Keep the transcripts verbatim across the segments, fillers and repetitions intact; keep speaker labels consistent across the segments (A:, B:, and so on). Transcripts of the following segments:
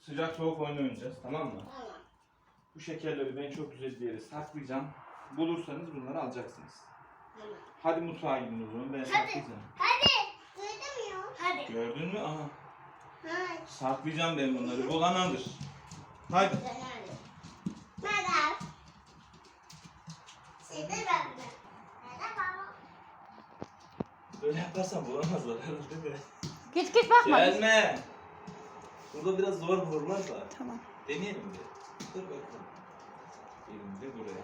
A: sıcak soğuk oyunu oynayacağız, tamam mı?
B: Tamam.
A: Bu şekerleri ben çok güzel bir yere saklayacağım. Bulursanız bunları alacaksınız.
B: Tamam.
A: Hadi mutfağa gidin o zaman, ben
B: Hadi.
A: saklayacağım.
B: Hadi. Duydum ya. Hadi.
A: Gördün mü? Aha.
B: Hadi.
A: Saklayacağım ben bunları. Bulan alır. Hadi.
B: Hadi. Merhaba. Şimdi ben de. Merhaba.
A: Böyle yaparsan bulamazlar herhalde de.
C: Git git bakma.
A: Gelme. Burada biraz zor bulurlar da.
C: Tamam.
A: Deneyelim bir. Dur bakalım. Elim de buraya.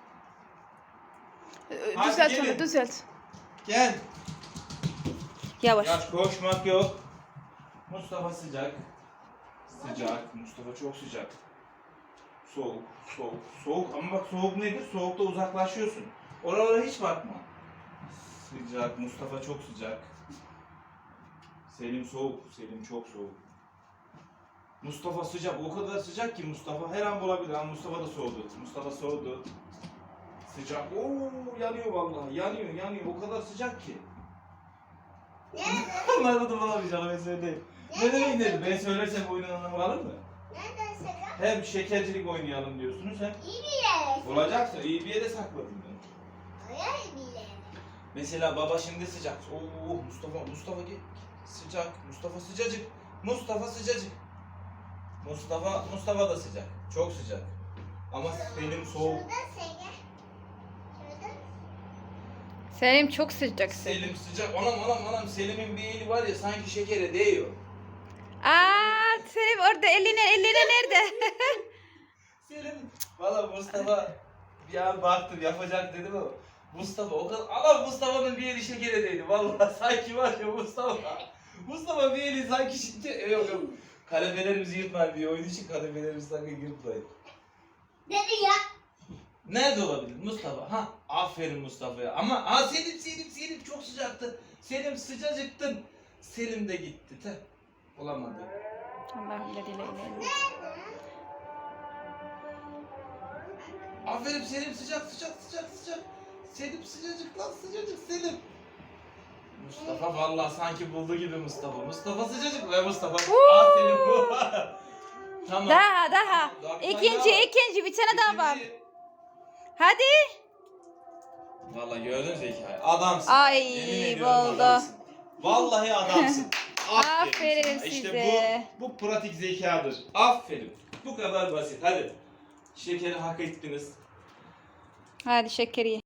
C: Ee,
A: Hadi
C: Düzelt
A: gelin.
C: onu düzelt.
A: Gel.
C: Yavaş.
A: Yaş koşmak yok. Mustafa sıcak. Sıcak. Mustafa çok sıcak. Soğuk, soğuk, soğuk. Ama bak soğuk nedir? Soğukta uzaklaşıyorsun. Oralara hiç bakma. Sıcak. Mustafa çok sıcak. Selim soğuk. Selim çok soğuk. Mustafa sıcak. O kadar sıcak ki Mustafa her an bulabilir. Ama Mustafa da soğudu. Mustafa soğudu. Sıcak. Oo yanıyor vallahi. Yanıyor, yanıyor. O kadar sıcak ki.
B: Nerede?
A: Onları da bulamayacağım ben söyleyeyim. Ne demek dedi? Ben söylersem oyunun anlamı kalır mı?
B: Nereden sakın?
A: Hem şekercilik oynayalım diyorsunuz hem
B: İyi bir yere.
A: olacaksa iyi bir yere sakladım ben.
B: Oraya bir yere.
A: Mesela baba şimdi sıcak. Oo Mustafa, Mustafa gel. Sıcak. Mustafa sıcacık. Mustafa sıcacık. Mustafa, Mustafa da sıcak. Çok sıcak. Ama Selim soğuk.
B: Şurada Sege. Şurada.
C: Selim çok sıcak.
A: Selim sıcak. Anam anam anam Selim'in bir eli var ya sanki şekere değiyor.
C: Aa Selim orada eline eline nerede?
A: Selim. Valla Mustafa bir an baktım yapacak dedim ama Mustafa o kadar ama Mustafa'nın bir eli şekere değdi. Valla sanki var ya Mustafa. Mustafa bir eli sanki şeker. Yok yok. Kalemelerimizi yırtmayın diye oyun için kalemelerimizi sakın yırtmayın.
B: Dedi ya.
A: Nerede olabilir Mustafa? Ha aferin Mustafa'ya. Ama ha Selim Selim Selim çok sıcaktı. Selim sıcacıktın. Selim de gitti. Te. Olamadı.
C: Allah'ım dediyle ilerle.
A: Aferin Selim sıcak sıcak sıcak sıcak. Selim sıcacık lan sıcacık Selim. Mustafa vallahi sanki buldu gibi Mustafa. Mustafa sıcacık ve Mustafa. Aa Selim bu. Tamam.
C: Daha daha.
A: Daha bir tane
C: İkinci
A: daha var.
C: ikinci bir tane daha var.
A: İkinci-
C: Hadi.
A: Vallahi gördün Zekai. Adamsın.
C: Ay,
A: Yemin ediyorum
C: buldu.
A: adamsın. Vallahi adamsın.
C: Aferin
A: sana. İşte
C: size.
A: bu, bu pratik zekadır. Aferin. Bu kadar basit. Hadi. Şekeri hak ettiniz.
C: Hadi şekeri ye.